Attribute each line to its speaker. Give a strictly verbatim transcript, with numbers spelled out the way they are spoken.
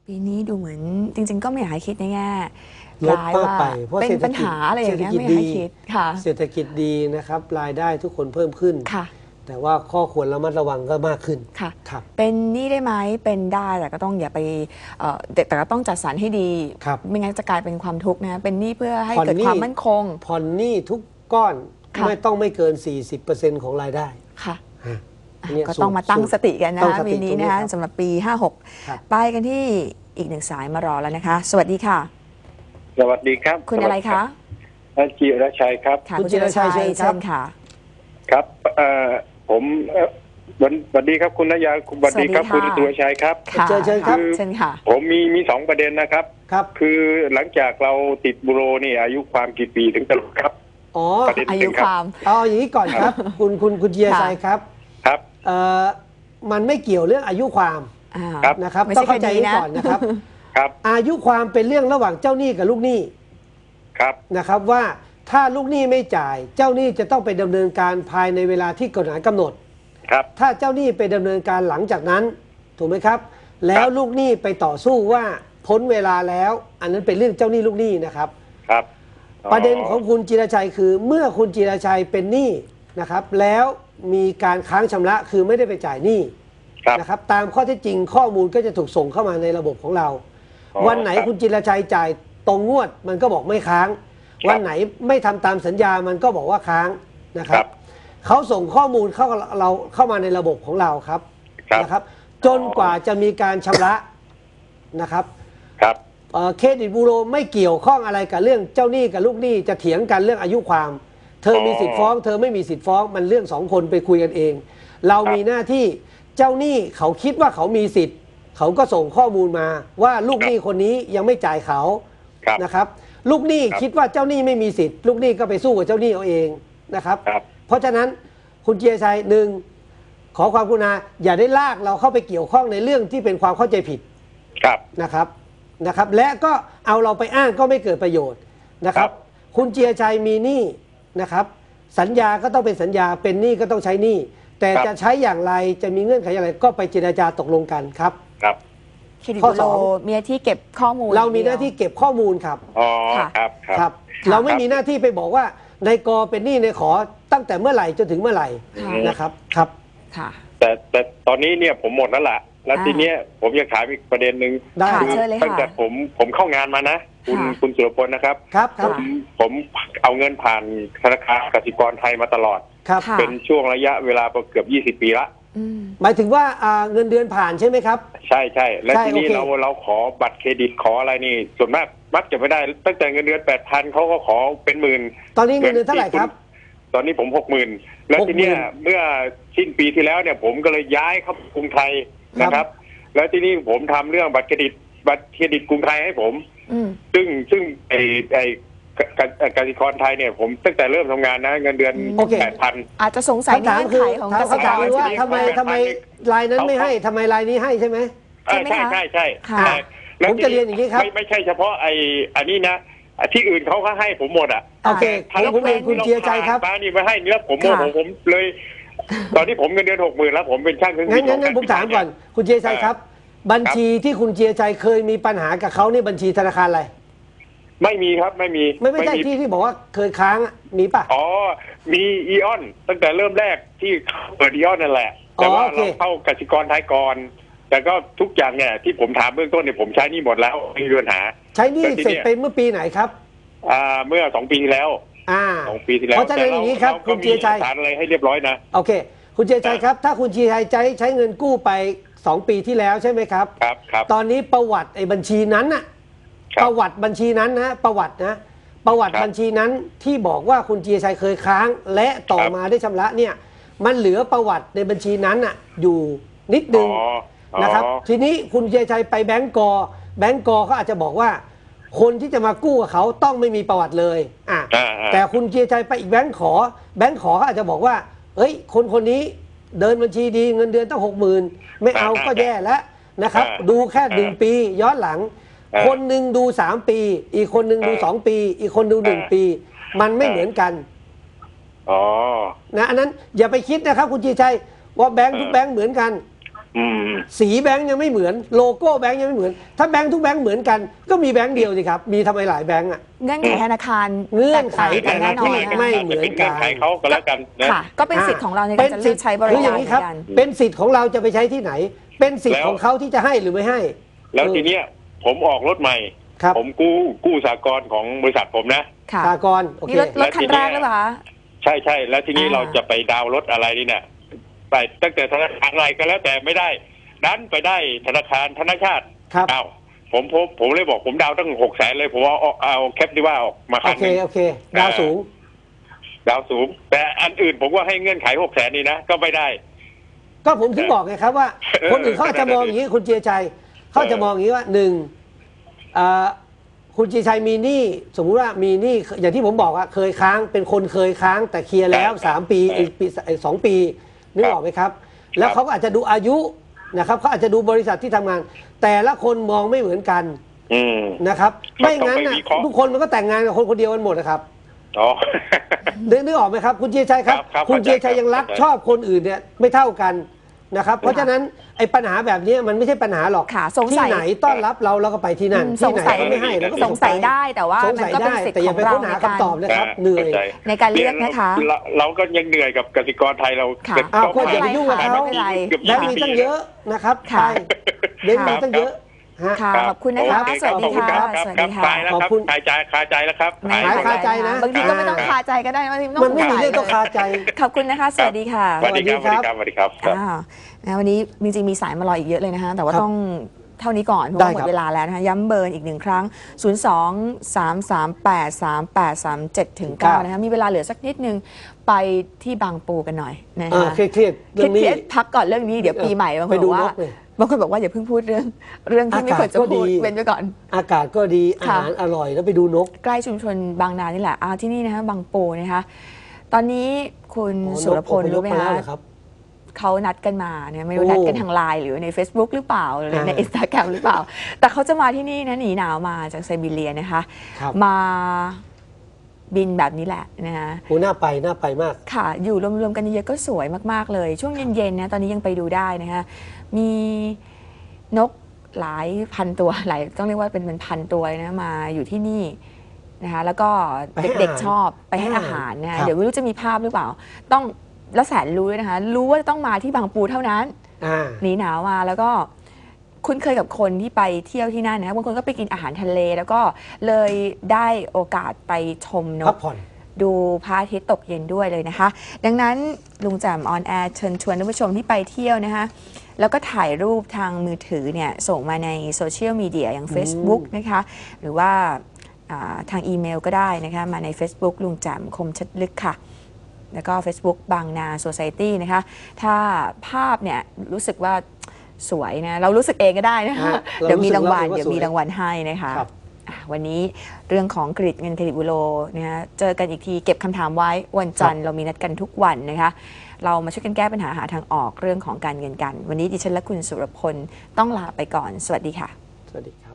Speaker 1: ปีนี้ดูเหมือนจริงๆก็ไม่อยากให้คิดในแง่
Speaker 2: ลบมากไปเพราะ
Speaker 1: เป็นปัญหาอะไรอย่างเงี้ยไม่อยากให้คิดค่ะ
Speaker 2: เศรษฐกิจดีนะครับรายได้ทุกคนเพิ่มขึ้น
Speaker 1: ค่ะ
Speaker 2: แต่ว่าข้อควรระมัดระวังก็มากขึ้น
Speaker 1: ค่ะ
Speaker 2: ครับ
Speaker 1: เป็นหนี้ได้ไหมเป็นได้แต่ก็ต้องอย่าไปแต่ก็ต้องจัดสรรให้ดีไม่งั้นจะกลายเป็นความทุกข์นะเป็นหนี้เพื่อให้เกิดความมั่นคง
Speaker 2: ผ่อนหนี้ทุกก้อนไม่ต้องไม่เกิน สี่สิบเปอร์เซ็นต์ ของรายได้
Speaker 1: ค่ะก็ต้องมาตั้งสติกันนะคะปีนี้นะคะสำหรับปีห้าหกไปกันที่อีกหนึ่งสายมารอแล้วนะคะสวัสดีค่ะ
Speaker 3: สวัสดีครับ
Speaker 1: คุณอะไรคะ
Speaker 3: จิรชัยครับ
Speaker 1: คุณจิรชัยเชิญค่ะ
Speaker 3: ครับผมวันวันดีครับคุณนยาคุณวันดีครับคุณจิรชัยครับ
Speaker 2: เชิญเชิญครับ
Speaker 1: เชิญค่ะ
Speaker 3: ผมมีมีสองประเด็นนะครับ
Speaker 2: ครับ
Speaker 3: คือหลังจากเราติดบุโรนี่อายุความกี่ปีถึงจะหลุดครับ
Speaker 2: อ๋อ
Speaker 1: อายุความ
Speaker 2: เอาอย่างนี้ก่อนครับคุณคุณคุณจิรชัยครับ
Speaker 3: ครับ
Speaker 2: เอ่อมันไม่เกี่ยวเรื่องอายุความนะครับต้องเข้าใจนี้ก่อนนะครับ
Speaker 3: ครับ
Speaker 2: อายุความเป็นเรื่องระหว่างเจ้าหนี้กับลูกหนี้
Speaker 3: ครับ
Speaker 2: นะครับว่าถ้าลูกหนี้ไม่จ่ายเจ้าหนี้จะต้องไปดำเนินการภายในเวลาที่กฎหมายกำหนด
Speaker 3: ครับ
Speaker 2: ถ้าเจ้าหนี้ไปดำเนินการหลังจากนั้นถูกไหมครับแล้วลูกหนี้ไปต่อสู้ว่าพ้นเวลาแล้วอันนั้นเป็นเรื่องเจ้าหนี้ลูกหนี้นะครับ
Speaker 3: ครับ
Speaker 2: ประเด็นของคุณจิรชัยคือเมื่อคุณจิรชัยเป็นหนี้นะครับแล้วมีการค้างชำระคือไม่ได้ไปจ่ายหนี้นะครับตามข้อเท็จจริงข้อมูลก็จะถูกส่งเข้ามาในระบบของเราวันไหนคุณจิรชัยจ่ายตรงงวดมันก็บอกไม่ค้างวันไหนไม่ทำตามสัญญามันก็บอกว่าค้างนะครับเขาส่งข้อมูลเข้าเราเข้ามาในระบบของเราครับนะครับจนกว่าจะมีการชำระนะครับ
Speaker 3: ครับ
Speaker 2: เครดิตบูโรไม่เกี่ยวข้องอะไรกับเรื่องเจ้าหนี้กับลูกหนี้จะเถียงกันเรื่องอายุความเธอมีสิทธิ์ฟ้องเธอไม่มีสิทธิ์ฟ้องมันเรื่องสองคนไปคุยกันเองเรามีหน้าที่เจ้าหนี้เขาคิดว่าเขามีสิทธิ์เขาก็ส่งข้อมูลมาว่าลูกหนี้คนนี้ยังไม่จ่ายเขานะครับลูกหนี้คิดว่าเจ้าหนี้ไม่มีสิทธิ์ลูกหนี้ก็ไปสู้กับเจ้าหนี้เอาเองนะครับเพราะฉะนั้นคุณเจียชัยหนึ่งขอความกรุณาอย่าได้ลากเราเข้าไปเกี่ยวข้องในเรื่องที่เป็นความเข้าใจผิดนะครับนะครับและก็เอาเราไปอ้างก็ไม่เกิดประโยชน์นะครับคุณเจียชัยมีหนี้นะครับสัญญาก็ต้องเป็นสัญญาเป็นหนี้ก็ต้องใช้หนี้แต่จะใช้อย่างไรจะมีเงื่อนไขอย่างไรก็ไปเจรจาตกลงกันครับ
Speaker 3: ครับ
Speaker 1: ข้อสองมีหน้าที่เก็บข้อมูล
Speaker 2: เรามีหน้าที่เก็บข้อมูลครับ
Speaker 3: อ๋อครับ
Speaker 2: ครับเราไม่มีหน้าที่ไปบอกว่าในกอเป็นหนี้ในขอตั้งแต่เมื่อไหร่จนถึงเมื่อไหร่นะครับครับ
Speaker 1: ค่ะ
Speaker 3: แต่แต่ตอนนี้เนี่ยผมหมดแล้วล่ะแล้วทีเนี้ยผมอยากถามอีกประเด็นหนึ่งตั้งแต่ผมผมเข้างานมานะคุณคุณสุรพลนะครับ
Speaker 2: ครับ
Speaker 3: ผมผมเอาเงินผ่านธนาคารกสิกรไทยมาตลอดเป็นช่วงระยะเวลาเกือบยี่สิบปีละ
Speaker 2: หมายถึงว่าเงินเดือนผ่านใช่ไหมครับ
Speaker 3: ใช่ใช่แล้วทีนี้เราเราขอบัตรเครดิตขออะไรนี่ส่วนมากมักจะไม่ได้ตั้งแต่เงินเดือนแปดพันเขาก็ขอเป็นหมื่น
Speaker 2: ตอนนี้เงินเดือนเท่าไหร่ครับ
Speaker 3: ตอนนี้ผมหกหมื่นแล้วทีนี้เมื่อสิ้นปีที่แล้วเนี่ยผมก็เลยย้ายเข้ากรุงไทยนะครับแล้วทีนี้ผมทำเรื่องบัตรเครดิตบัตรเครดิตกรุงไทยให้ผมซึ่งซึ่งไอ้ไอ้กสิกรไทยเนี่ยผมตั้งแต่เริ่มทำงานนะเงินเดือนแปดพัน
Speaker 1: อาจจะสงสัยในเงื่อนไขของกสิกร
Speaker 2: ว่าทำไมทำไมรายนั้นไม่ให้ทำไมรายนี้ให้ใช่ไหม
Speaker 3: ใช่ใช่ใช่ใช่
Speaker 2: ผมจะเรียนอย่างนี้ครับ
Speaker 3: ไม่ไม่ใช่เฉพาะไอ้อันนี้นะที่อื่นเขาก็ให้ผมหมดอ่ะ
Speaker 2: โอเคผมเองคุณเจียใจครับ
Speaker 3: ป้านี่มาให้เนื้อผมโมโหผมเลยตอนนี้ผมเงินเดือนหกหมื่นแล้วผมเป็นช่างเครื่อง
Speaker 2: บินงั้นงั้นผมถามก่อนคุณเจียใจครับบัญชีที่คุณเจียใจเคยมีปัญหากับเขานี่บัญชีธนาคารอะไร
Speaker 3: ไม่มีครับไม่มี
Speaker 2: ไม่ไม่ใช่ที่ที่บอกว่าเคยค้างมีป่ะ
Speaker 3: อ๋อมีอีออนตั้งแต่เริ่มแรกที่เปิดอีออนนั่นแหละแต่ว่าเราเข้ากสิกรไทยก่อนแต่ก็ทุกอย่างเนี่ยที่ผมถามเบื้องต้นเนี่ยผมใช้นี่หมดแล้วไม่มีปัญหา
Speaker 2: ใช้นี่เสร็จไปเมื่อปีไหนครับ
Speaker 3: อ่าเมื่อสองปีที่แล้ว
Speaker 2: อ่า
Speaker 3: สองปีที่แล้ว
Speaker 2: เพราะฉะนั้นอย่างนี้ครับคุณเจียชัย
Speaker 3: ฐานอะไรให้เรียบร้อยนะ
Speaker 2: โอเคคุณเจียชัยครับถ้าคุณเจียชัยใช้ใช้เงินกู้ไปสองปีที่แล้วใช่ไหมครับ
Speaker 3: ครับครับ
Speaker 2: ตอนนี้ประวัติไอ้บัญชีนั้นน่ะประวัติบัญชีนั้นนะประวัตินะประวัติบัญชีนั้นที่บอกว่าคุณเจียชัยเคยค้างและต่อมาได้ชำระเนี่ยมันเหลือประวัติในบัญชีนั้นน่ะอยู่นิดนึงนะครับทีนี้คุณเจียชัยไปแบงก์กอแบงก์กอเขาอาจจะบอกว่าคนที่จะมากู้กับเขาต้องไม่มีประวัติเลยอ่ะแต่คุณเจียชัยไปอีกแบงก์ขอแบงก์ขอเขาอาจจะบอกว่าเอ้ยคนคนนี้เดินบัญชีดีเงินเดือนตั้งหกหมื่นไม่เอาก็แย่แล้วนะครับดูแค่หนึ่งปีย้อนหลังคนหนึ่งดูสามปีอีกคนหนึ่งดูสองปีอีกคนดูหนึ่งปีมันไม่เหมือนกัน
Speaker 3: อ๋อ
Speaker 2: นะอันนั้นอย่าไปคิดนะครับคุณจีชัยว่าแบงค์ทุกแบงค์เหมือนกัน
Speaker 3: อืม
Speaker 2: สีแบงค์ยังไม่เหมือนโลโก้แบงค์ยังไม่เหมือนถ้าแบงค์ทุกแบงค์เหมือนกันก็มีแบงค์เดียวสิครับมีทำไมหลายแบงค์อ่ะ
Speaker 1: เงื่อนไขธนาคาร
Speaker 2: เงื่อนไข
Speaker 1: แตกต่างกันแน่นอน
Speaker 2: แต่ละที่
Speaker 1: นะ
Speaker 2: ไม่เหมือนกัน
Speaker 3: เงื่อนไขเขาก็แล้วกันนะ
Speaker 1: ค่ะ ก็เป็นสิทธิ์ของเราในการจะเลือกใช้บริ
Speaker 2: คืออ
Speaker 1: การ
Speaker 2: ย่าง
Speaker 1: เห
Speaker 2: นี้
Speaker 1: มื
Speaker 2: ครั
Speaker 1: อบ นกัน
Speaker 2: เป็นสิทธิ์ของเราจะไปใช้ที่ไหน เป็นสิทธิ์
Speaker 3: แล้ว
Speaker 2: ของเขาที่จะให้หรือไม่ให้
Speaker 3: แล้ว
Speaker 2: เออ
Speaker 3: ทีเนี้ยผมออกรถใหม่
Speaker 2: ครับ
Speaker 3: ผมกู้กู้สากลของบริษัทผมนะ
Speaker 1: ค่ะ
Speaker 2: สากลโอเค
Speaker 1: นี่รถรถคันแรกหรือเปล่าคะ
Speaker 3: ใช่ใช่แล้วทีนี้
Speaker 1: อ่า
Speaker 3: เราจะไปดาวน์รถอะไรนี่เนี่ยไปตั้งแต่ธนาคารอะไรก็แล้วแต่ไม่ได้ดันไปได้ธนาคารธนาชาติ
Speaker 2: ครับ
Speaker 3: อ้าวผมผมผมเลยบอกผมดาวตั้งหกแสนเลยผมเอาเอาเอาแคปดีว่าออกมา
Speaker 2: โอ
Speaker 3: คัน
Speaker 2: เค
Speaker 3: หนึ่ง
Speaker 2: โอเคดาวสูง
Speaker 3: ดาวสูง แต่อันอื่นผมว่าให้เงื่อนไขหกแสนนี่นะก็ไม่ได้
Speaker 2: ก็ผมถึงบอกไงครับว่า คนอื่นเขาอาจจะมองอย่างนี้คุณเจียชัยเขาจะมองอย่างนี้ว่าหนึ่งอ่าคุณเจียชัยมีหนี้สมมุติว่ามีหนี้อย่างที่ผมบอกว่าเคยค้างเป็นคนเคยค้างแต่เคลียร์แล้วสามปีอีกปีสองปีนึกออกไหมครับ แล้วเขาก็อาจจะดูอายุนะครับเขาอาจจะดูบริษัทที่ทำงาน แต่ละคนมองไม่เหมือนกัน
Speaker 3: อืม
Speaker 2: นะครับ
Speaker 3: ครับ
Speaker 2: ไม่งั้น
Speaker 3: ต้อง
Speaker 2: น่ะ
Speaker 3: ไปวิเคราะห์
Speaker 2: ทุกคนมันก็แต่งงานกับคนคนเดียวกันหมดนะครับ
Speaker 3: อ๋อ
Speaker 2: นึกนึกออกไหมครับคุณเจียชัยครับ
Speaker 3: ครับครับ
Speaker 2: คุณเจียชัย
Speaker 3: เข้าใจ
Speaker 2: ยังรัก
Speaker 3: เข้าใจ
Speaker 2: ชอบคนอื่นเนี่ยไม่เท่ากันนะครับ เพราะฉะนั้นไอ้ปัญหาแบบนี้มันไม่ใช่ปัญหาหรอก
Speaker 1: ค่ะสง
Speaker 2: ที่
Speaker 1: สัย
Speaker 2: ไหนต้อนรับเราเราก็ไปที่นั่น
Speaker 1: อืม
Speaker 2: ที่ไหน
Speaker 1: สงสัย
Speaker 2: เขาไม่ให้เราก็
Speaker 1: สงสัยได้แต่ว่า
Speaker 2: สง
Speaker 1: มัน
Speaker 2: สัย
Speaker 1: ก็เป็น
Speaker 2: ได้
Speaker 1: สิทธิ์
Speaker 2: แต่
Speaker 1: ข
Speaker 2: อย่า
Speaker 1: อง
Speaker 2: ไป
Speaker 1: เรา
Speaker 2: ค้น
Speaker 1: ใน
Speaker 2: หา
Speaker 1: การ
Speaker 2: คำตอบเลยครับเหนื่อย
Speaker 3: ข้าใจ
Speaker 1: ในการเลือกนะคะ
Speaker 3: เราเราก็ยังเหนื่อยกับกสิกรไทยเรา
Speaker 1: ค่ะ
Speaker 3: เป็น
Speaker 2: อ้าว
Speaker 3: ต้อง
Speaker 2: ก็อย่าไปยุ่งกับเขา
Speaker 1: ไม่เป็นไร
Speaker 3: กือบ
Speaker 2: แบงค์มีตั้งเยอะนะครับ
Speaker 1: ค่ะ
Speaker 2: ใช่แบงค์มีตั้งเยอะฮะ
Speaker 1: ค่ะ
Speaker 3: รับ
Speaker 1: ขอบคุณนะคะ
Speaker 3: โอเ
Speaker 1: สวัสดีค่ะ
Speaker 3: รับ
Speaker 1: สวัส
Speaker 3: ครั
Speaker 1: ดี
Speaker 3: บ
Speaker 1: ค่ะ
Speaker 3: คลายแล้ว
Speaker 2: ขอบ
Speaker 3: ครับ
Speaker 2: คุณ
Speaker 3: คลายใจคลายใจแล้วครับ
Speaker 1: ไม่
Speaker 2: หายคาใจนะ
Speaker 1: บางทีก็ไม่ต้องคาใจก็ได้บางที
Speaker 2: มันไม่มีเรื่องต้องคาใจ
Speaker 1: ขอบคุณนะคะ สวัสดีค่ะ
Speaker 3: สวัสดีครับ สวัสดีครับ สวัสดีครับครับ
Speaker 1: อ้าวนะวันนี้จริงๆมีสายมารออีกเยอะเลยนะคะแต่ว่า
Speaker 2: ครับ
Speaker 1: ต้องเท่านี้ก่อนเพราะ
Speaker 2: ได้
Speaker 1: ว่าหม
Speaker 2: ครั
Speaker 1: ด
Speaker 2: บ
Speaker 1: เวลาแล้วนะคะย้ำเบอร์อีกหนึ่งครั้ง ศูนย์ สอง สาม สาม แปด สาม แปด สาม เจ็ด ถึง เก้า นะคะมีเวลาเหลือสักนิดนึงไปที่บางปูกันหน่อยนะ
Speaker 2: อ่า
Speaker 1: คะ
Speaker 2: เครียดๆเรื่องนี้
Speaker 1: เครียดๆพักก่อนเรื่องนี้เดี๋ยวปีใหม่บางค
Speaker 2: ไป
Speaker 1: นบ
Speaker 2: ดู
Speaker 1: อก
Speaker 2: น
Speaker 1: ว่าก
Speaker 2: เลย
Speaker 1: บางคนบอกว่าอย่าเพิ่งพูดเรื่องเรื่องที่ไม่ควรจะ
Speaker 2: อากาศก็
Speaker 1: พูด
Speaker 2: ดี
Speaker 1: เว้นไว้ก่อน
Speaker 2: อากาศก็ดีอา
Speaker 1: ค่ะ
Speaker 2: หารอร่อยแล้วไปดูนก
Speaker 1: ใกล้ชุมชนบางนานี่แหละอ่าที่นี่นะคะบางปูนะคะตอนนี้คุณ
Speaker 2: อ๋อนก
Speaker 1: สุรพล
Speaker 2: อพยพ
Speaker 1: รู้ไหม
Speaker 2: มาแล้ว
Speaker 1: คะ
Speaker 2: เหรอครับ
Speaker 1: เขานัดกันมาเนี่ยไม่รู้
Speaker 2: โอ้
Speaker 1: นัดกันทางไลน์หรือใน Facebook หรือเปล่าหรือใน
Speaker 2: อ่า
Speaker 1: อินสตาแกรมหรือเปล่า แต่เขาจะมาที่นี่นะหนีหนาวมาจากไซบีเรียนะคะ
Speaker 2: ครับ
Speaker 1: มาบินแบบนี้แหละนะคะ
Speaker 2: โหน่าไปน่าไปมาก
Speaker 1: ค่ะ อยู่รวมๆกันเยอะๆก็สวยมากๆเลย ช่วงเย็นๆนะตอนนี้ยังไปดูได้นะคะมีนกหลายพันตัวหลายต้องเรียกว่าเป็นเป็นพันตัวเลยนะมาอยู่ที่นี่นะคะแล้วก็
Speaker 2: ไปให้
Speaker 1: เด็ก
Speaker 2: อาหาร
Speaker 1: ๆชอบไปให้
Speaker 2: ให้
Speaker 1: อา
Speaker 2: อา
Speaker 1: หา
Speaker 2: หาร ร
Speaker 1: นะคะ
Speaker 2: ครับ
Speaker 1: เดี๋ยวไม่รู้จะมีภาพหรือเปล่า ต้องแล้วแสนรู้ด้วยนะคะ รู้ว่าต้องมาที่บางปูเท่านั้น
Speaker 2: อ่า
Speaker 1: หนีหนาวมาแล้วก็คุ้นเคยกับคนที่ไปเที่ยวที่นั่นนะบางคนก็ไปกินอาหารทะเล แล้วก็เลยได้โอกาสไปชมน
Speaker 2: พั
Speaker 1: ก
Speaker 2: กผ่อน
Speaker 1: ดูพระอาทิตย์ตกเย็นด้วยเลยนะคะ ดังนั้นลุงแจ่มออนแอร์เชิญชวนท่านผู้ชมที่ไปเที่ยวนะคะแล้วก็ถ่ายรูปทางมือถือเนี่ยส่งมาในโซเชียลมีเดียอย่าง Facebook นะคะหรือว่าอ่าทางอีเมลก็ได้นะคะมาใน Facebook ลุงแจ่มคมชัดลึกค่ะ แล้วก็ Facebook บางนาโซไซตี้นะคะถ้าภาพเนี่ยรู้สึกว่าสวยนะเรารู้สึกเองก็ได้นะคะ
Speaker 2: ฮะเรา
Speaker 1: เดี๋ยวมีรางวัล
Speaker 2: รู้สึกว่า
Speaker 1: เดี๋ยวมี
Speaker 2: สวย
Speaker 1: รางวัลให้นะคะ
Speaker 2: ครับ
Speaker 1: อ่ะวันนี้เรื่องของเครดิตเงินเครดิตบูโรนะคะเจอกันอีกทีเก็บคำถามไว้วันจันทร์เรามีนัดกันทุกวันนะคะเรามาช่วยกันแก้ปัญหาหาทางออกเรื่องของการเงินกัน วันนี้ดิฉันและคุณสุรพลต้องลาไปก่อนสวัสดีค่ะ
Speaker 2: สวัสดีครับ